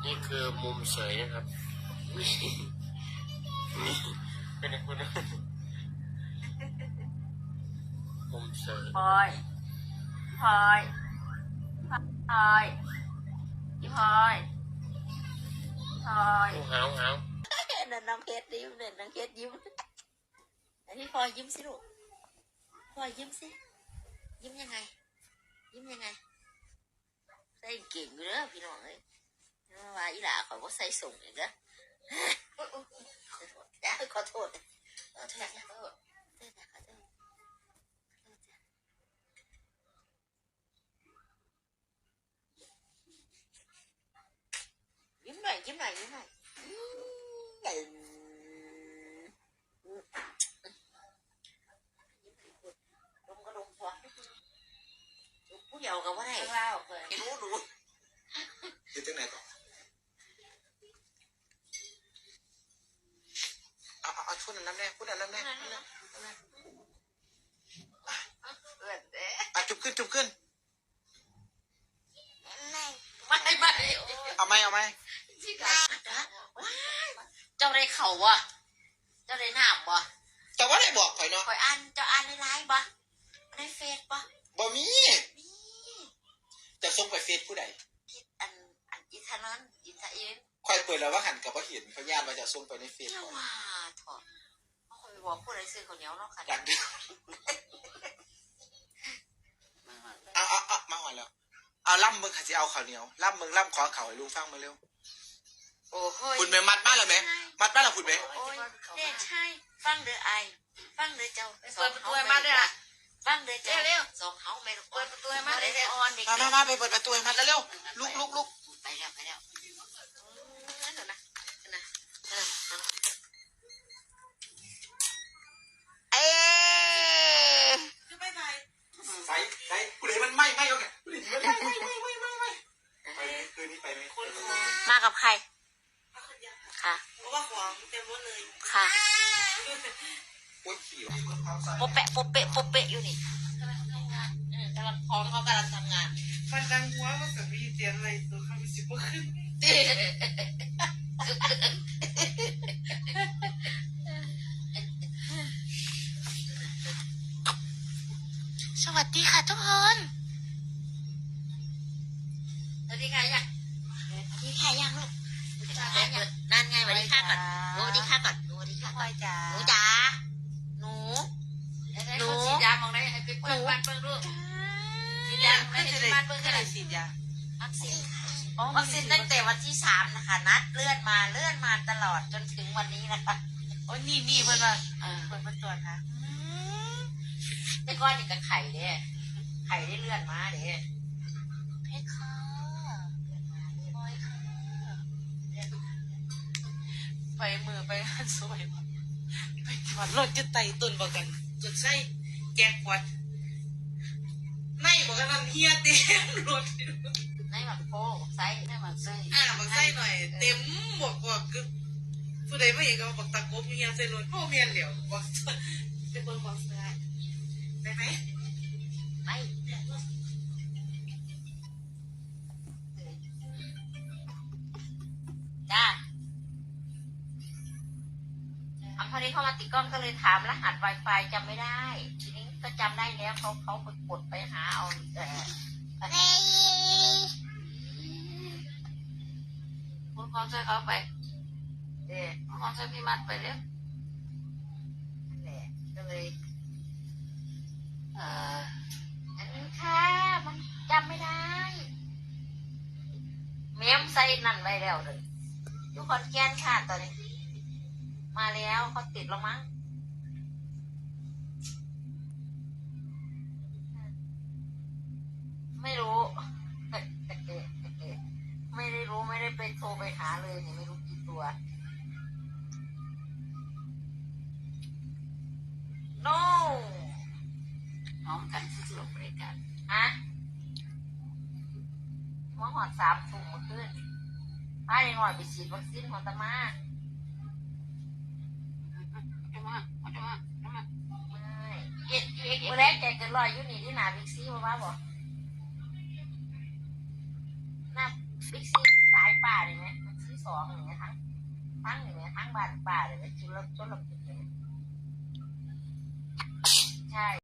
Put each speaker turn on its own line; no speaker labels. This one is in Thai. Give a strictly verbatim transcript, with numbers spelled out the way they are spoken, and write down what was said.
นี่คือมุมเสยนะครับนี่เป็นคุณมุมเสย
พลอยพลอยพลอยพี่พลอยพลอย
หาวหาว
เดินน้องเพชรยิ้มเดินน้องเพชรยิ้มแต่พี่พลอยยิ้มสิลูกพลอยยิ้มสิยิ้มยังไงยิ้มยังไงใส่เก่งอยู่เด้อพี่น้องเอ้ยว่าอีหล่าเขาก็ใส่ส่งอีกเด้อขอโทษขอโทษขอโทษขอโทษขอโทษยิ้มหน่อยยิ้มหน่อยยิ้มหน่อยลมก็ลมพอผู้เดียวกับว่าไรเล่าเพื่อนรู้รู้
อยู่ที่ไหนต่อเอาเอาเอาพูดอันนั้นแน่พูดอันนั้นแน่อ่ะจุบขึ้นจุบขึ้น
ไม่ไม่ไม่
เอาไหมเอาไหม
เจ้าได้เข่าวะเจ้าได้หนามวะ
แต่ว่าได้บอกข่อยเนาะ
ข่อยอ่านเจ้าอ่านในไลน์ปะในเฟซปะ
บ่มีจะส่งไปเฟซผู้ใด
อันอันอิทานนอิทาเอ็น
ข่อยเปิดแล้วว่าหันกับว่าเห็นเขาญาติว่าจะส่งไปในเฟซ
เขาว่าถอดเขาคอยบอกผู้ใดซื้อข้าวเหนียวเนาะค่ะ
ดังเดียวเอาเอาเอามาหอยแล้วเอาล่ำมึงค่ะจะเอาข้าวเหนียวล่ำมึงล่ำขอข่าวให้ลุงฟังมาเร็ว
โอ้โห
คุณแม่มัดบ้านเราไหมมัดบ้านเราคุณไหม
โอ้ยเด็กใช่ฟังเด้อไอฟังเด้อเจ้า
เปิดประตูให้มาด้วยล่ะ
ฟังเด้อเจ้า
เร็ว
สองเฮาไม่
เปิดประตูให้มาเลย
ออนเด็ก
มามามาไปเปิดประตูให้มัดแล้วเร็วลุกลุกลุก
ไปแล้วไปแล้วนั่นเหรอนะนะเออเอ๊ะ
ใส่ใส่กูเลยมันไหม้ไหม้เอาไงกูเลยมันไหม้ไหม้ไหม้ไหม้ไหม้ไปไหมคืนนี้ไปไหม
มากับใครค่ะ
เพราะว่าของเต็มรถเลย
ค่ะ
โอ้ยขี่
โปเปะโปเปะโปเปะอยู่นี่
กำลังพร้อมเขากำลังทำงานมันดังหัวมันจะมีเตียงอะไรตัวเขาไม่สิบกว่าขึ้น
สวัสดีค่ะทุกคน
สวัสดีค่ะยัง
สวัสดีค่ะยังลูกนั่นไงสวัสดีค่ะก่อนสวัสดีค่ะก่อนสวัสดีค่ะก่อน
จ๋า
หนูจ๋าหนู
หนูฉีดยามองได้ให้ไปเปิดบ้านเปิดลูกฉีดยาไม่ให้บ้านเปิดก็เลยฉีดยา
วัคซีนวัคซีนตั้งแต่วันที่สามนะคะนัดเลื่อนมาเลื่อนมาตลอดจนถึงวันนี้นะคะ
โอ้ยนี่นี่เพื่อนว่าเพื่อนเพื่อนตรวจนะ
แต่ก้อนนี่กับไข่เด้ไข่ได้เลื่อนมาเด้
เพชรค่ะบอยค่ะไปมือไปหันสวยไปถอดรถจะไต่ตุนบอกกันจนใส่แกงขวดไม่บอกกันนั่นเฮียเต็มรถ
ในหมักโป้ไส้ในหมักไส้
อ่าหมักไส้หน่อยเต็มบอกบอกคือผู้ใดไม่เห็นก็บอกตะกบเฮียใส่รถพ่อเมียนเหลียวบอกจะเบิ่งบอกได้ได้ไหม
ไม่จ้าอันพอดีเข้ามาติดกล้องก็เลยถามรหัส Wi-Fi จำไม่ได้ทีนี้ก็จำได้แล้วเขาเขาไปกดไปหาเอาเออ
คุณความช่วยเขาไปเดี๋ยวความช่วยพี่มัดไปเร็ว
นั่นแหละก็เลยเอออันนี้ค่ะมันจำไม่ได้เมียมใส่นั่นไว้แล้วเลยทุกคนแกนค่ะตอนนี้มาแล้วเขาติดแล้วมั้งไม่รู้ไม่ได้รู้ไม่ได้ไปโทรไปหาเลยเนี่ยไม่รู้กี่ตัว no
พร้อมกันที่จะลงบริการ
ฮะหัวหอดสามถุงมาขึ้นพาในหน่อยไปฉีดวัคซีนของตามา
จะมาจะมาจะมา
ไม่เอ็ดเอ็ดเมื่อแรกแกเกิดลอยอยู่นี่ที่หนาบิ๊กซีมาบ้าบอกหน้าบิ๊กซีสายป่าเลยไหมบิ๊กซีสองอย่างเงี้ยทั้งทั้งอย่างเงี้ยทั้งบ้านป่าเลยไหมจุลจุลปิดเลยใช่